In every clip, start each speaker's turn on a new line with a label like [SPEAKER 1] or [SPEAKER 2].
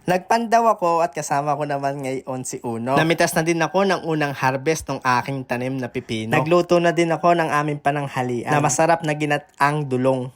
[SPEAKER 1] Nagpandaw ako at kasama ko naman ngayon si Uno. Namitas na din ako ng unang harvest ng aking tanim na pipino. Nagluto na din ako ng aming pananghalian na masarap na ginataang dulong.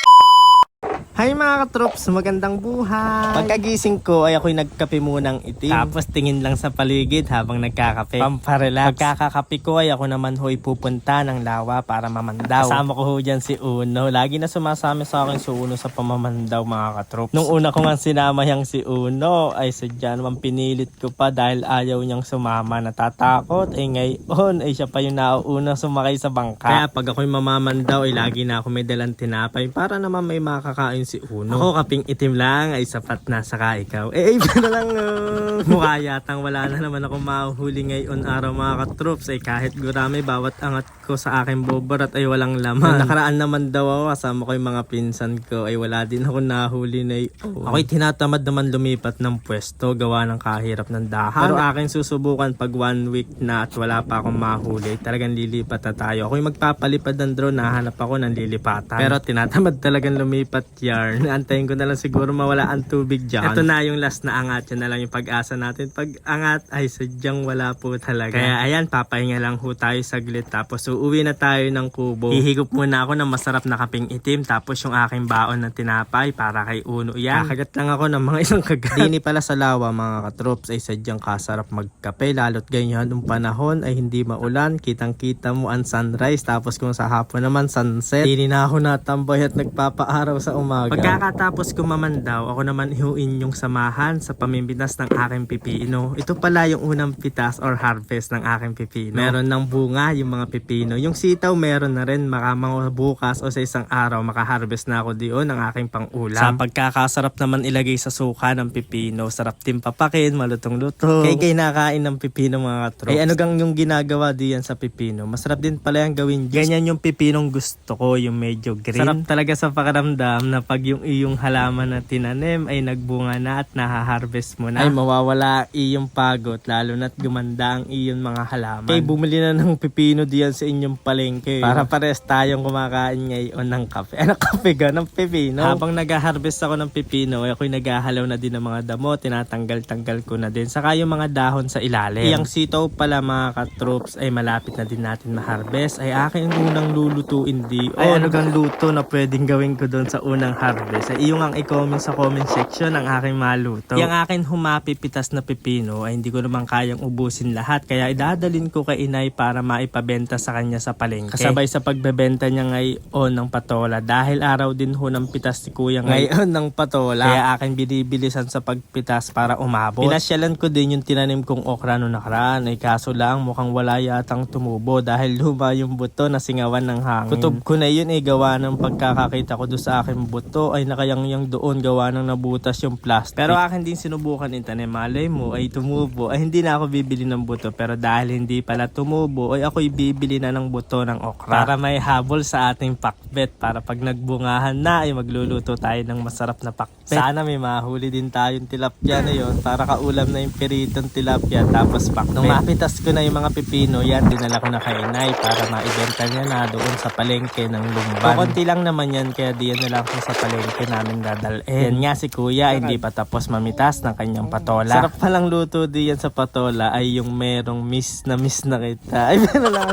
[SPEAKER 1] Hi mga katrops, magandang buhay! Pagkagising ko ay ako'y nagkape munang itim. Tapos tingin lang sa paligid habang nagkakape. Pamparelax. Pagkakakape ko ay ako naman ho'y pupunta ng lawa para mamandaw. Kasama ko ho dyan si Uno. Lagi na sumasama sa akin si Uno sa pamamandaw mga katrops. Nung una ko nga sinama yang si Uno ay sadya naman pinilit ko pa dahil ayaw niyang sumama. Natatakot ay ngayon ay siya pa yung nauuna sumakay sa bangka. Kaya pag ako'y mamamandaw ay lagi na ako may dalang tinapay para naman may makakain si Uno. Ako kaping itim lang ay sapat na saka ikaw. Na lang mukha yatang wala na naman ako mahuhuli ngayon araw mga katrops ay kahit gurami bawat angat ko sa aking bobarat ay walang laman. Nakaraan naman daw ako kasama ko yung mga pinsan ko ay wala din ako nahuli na ako'y tinatamad naman lumipat ng pwesto gawa ng kahirap ng dahan. Pero aking susubukan pag 1 week na at wala pa akong mahuli talagang lilipat na tayo. Ako'y magpapalipad ng drone, nahanap ako ng lilipatan. Pero tinatamad talagang lumipat yarn. Antayin ko na lang siguro mawala ang tubig dyan. Ito na yung last na angat. Yan na lang yung pag-asa natin. Pag angat ay sadyang wala po talaga. Kaya ayan, papahinga lang ho tayo saglit. Tapos uuwi na tayo ng kubo. Hihigop muna ako ng masarap na kaping itim. Tapos yung aking baon ng tinapay para kay Uno yan. Kakagat lang ako ng mga isang kagat. Dini pala sa lawa mga katrops ay sadyang kasarap magkape. Lalo't ganyan yung panahon ay hindi maulan. Kitang-kita mo ang sunrise. Tapos kung sa hapon naman sunset. Dini na ako natambay at nagpapaaraw sa umaga. Pagkatapos ko mamandaw, ako naman ihuin yung samahan sa pamimpitas ng aking pipino. Ito pala yung unang pitas or harvest ng aking pipino. Meron ng bunga yung mga pipino. Yung sitaw meron na rin, mga bukas o sa isang araw makaharvest na ako diyon ng aking pang-ulam. Sa pagkakasarap naman ilagay sa suka ng pipino. Sarap din papakin, malutong-luto. Kay nakain ng pipino mga katrops. Ay ano gang yung ginagawa diyan sa pipino? Masarap din pala yung gawin juice. Ganyan yung pipinong gusto ko, yung medyo green. Sarap talaga sa pakiramdam na pag yung halaman na tinanim ay nagbunga na at nahaharvest mo na. Ay mawawala iyong pagod lalo na't gumanda ang iyong mga halaman. Kaya bumili na ng pipino diyan sa inyong palengke. Para pares tayong kumakain ngayon ng kape. Ano kape ga? Ng pipino. Habang nag-harvest ako ng pipino ay ako'y naghahalaw na din ng mga damo. Tinatanggal-tanggal ko na din. Saka yung mga dahon sa ilalim. Iyang sitaw pala mga katrops ay malapit na din natin ma-harvest. Ay aking unang lulutuin di. Ay ano gang luto na pwedeng gawin ko doon sa unang harvest. Ay iyong ang i-comment sa comment section ang aking maluto. Yung akin humapipitas na pipino ay hindi ko naman kayang ubusin lahat. Kaya idadalin ko kay inay para maipabenta sa kanya sa palengke. Kasabay sa pagbebenta niya ngayon ng patola. Dahil araw din ho ng pitas si kuya ngayon ng patola. Kaya akin binibilisan sa pagpitas para umabot. Pinasyalan ko din yung tinanim kong okra no nakaraan. Ay kaso lang mukhang wala yatang tumubo dahil luma yung buto na singawan ng hangin. Kutob ko na yun ay gawa ng pagkakakita ko doon sa aking buto ay nakayangyang doon gawa ng nabutas yung plastic. Pero akin din sinubukan itanim. Malay mo ay tumubo. Ay hindi na ako bibili ng buto. Pero dahil hindi pala tumubo ay ako'y bibili na ng buto ng okra. Para may habol sa ating pakbet. Para pag nagbungahan na ay magluluto tayo ng masarap na pakbet. Sana may mahuli din tayong tilapia na yon para kaulam na yung piritong tilapia tapos pakbet. Nung mapitas ko na yung mga pipino yan dinala ko na kay inay para maibenta niya na doon sa palengke ng Lumban. Konti lang naman yan kaya diyan na lang ko sa palengke namin dadalhin. Yan nga si kuya hindi pa tapos mamitas ng kanyang patola. Sarap palang luto diyan sa patola ay yung merong miss na kita. Ay meron lang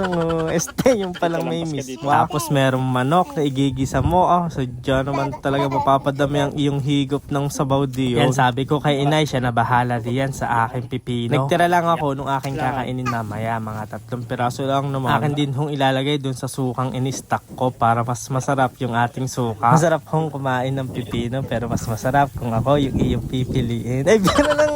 [SPEAKER 1] yung palang may miss. Wow. Tapos merong manok na igigisa mo. So dyan naman talaga mapapadami ang iyong higop ng sabaw diyo. Yan sabi ko kay inay siya na bahala diyan sa aking pipino. Nagtira lang ako nung aking kakainin mamaya mga 3 piraso lang naman. Akin din hong ilalagay dun sa sukang in-stock ko para mas masarap yung ating suka. Masarap hong kumain ng pipino pero mas masarap kung ako yung iyong pipiliin. Ay, bigyan lang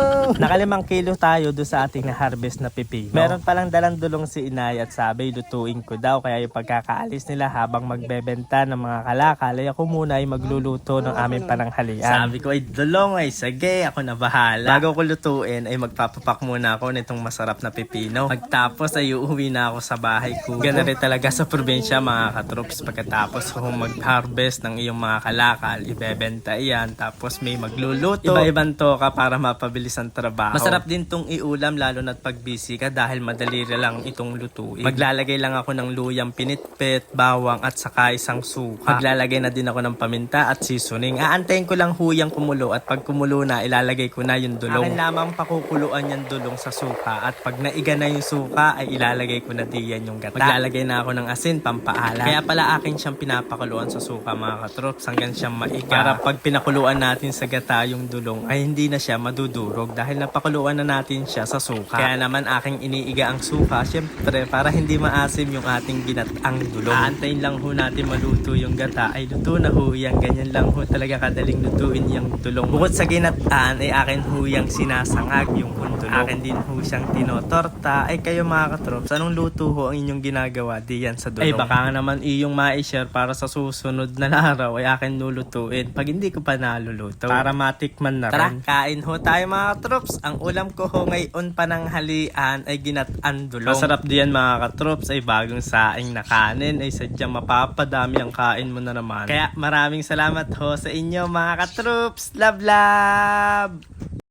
[SPEAKER 1] Naka5 kilo tayo doon sa ating na-harvest na pipino. Meron palang dalang dulong si inay at sabi lutuin ko daw. Kaya yung pagkakaalis nila habang magbebenta ng mga kalakal ay ako muna ay magluluto ng aming pananghalian. Sabi ko ay dulong ay sige ako na bahala. Bago ko lutuin ay magpapapak muna ako nitong masarap na pipino. Pagtapos ay uuwi na ako sa bahay ko. Ganda rin talaga sa probinsya mga katrops pagkatapos kung mag-harvest ng iyong mga kalakal, ibebenta iyan, tapos may magluluto. Iba-ibang toka para mapabilis ang trabaho. Masarap din tong iulam lalo na't pag busy ka dahil madali lang itong lutuin. Maglalagay lang ako ng luyang pinitpit, bawang at saka isang suka. Maglalagay na din ako ng paminta at seasoning. Aantayin ko lang huyang kumulo at pag kumulo na, ilalagay ko na yung dulong. Akin lamang pakukuluan yung dulong sa suka at pag naiga na yung suka ay ilalagay ko na diyan yung gata. Maglalagay na ako ng asin pampaalat. Kaya pala akin siyang pinapakuluan sa suka mga katrops hanggang siyang maiga. Para pag pinakuluan natin sa gata yung dulong ay hindi na siya madudurog dahil napakuluan na natin siya sa suka. Kaya naman aking iniiga ang suka syempre para hindi maasim yung ating ginataang dulong. Aantayin lang ho natin maluto yung gata ay luto na ho yan. Ganyan lang ho talaga kadaling lutuin yung dulong. Bukod sa ginataan ay akin ho yung sinasangag yung dulong. Akin din ho siyang tinotorta. Ay kayo mga katrops, anong luto ho ang inyong ginagawa diyan sa dulong? Ay baka nga naman iyong ma-share para sa susunod na araw ay akin lulutuin pag hindi ko pa naluluto. Para matikman na rin. Tara, kain ho tayo mga katrops. Ang ulam ko ho ngayon pananghalian ay ginataan dulong. Masarap diyan mga katrops ay bagong saing na kanin ay sadyang mapapadami ang kain mo na naman. Kaya maraming salamat ho sa inyo mga katrops. Love love!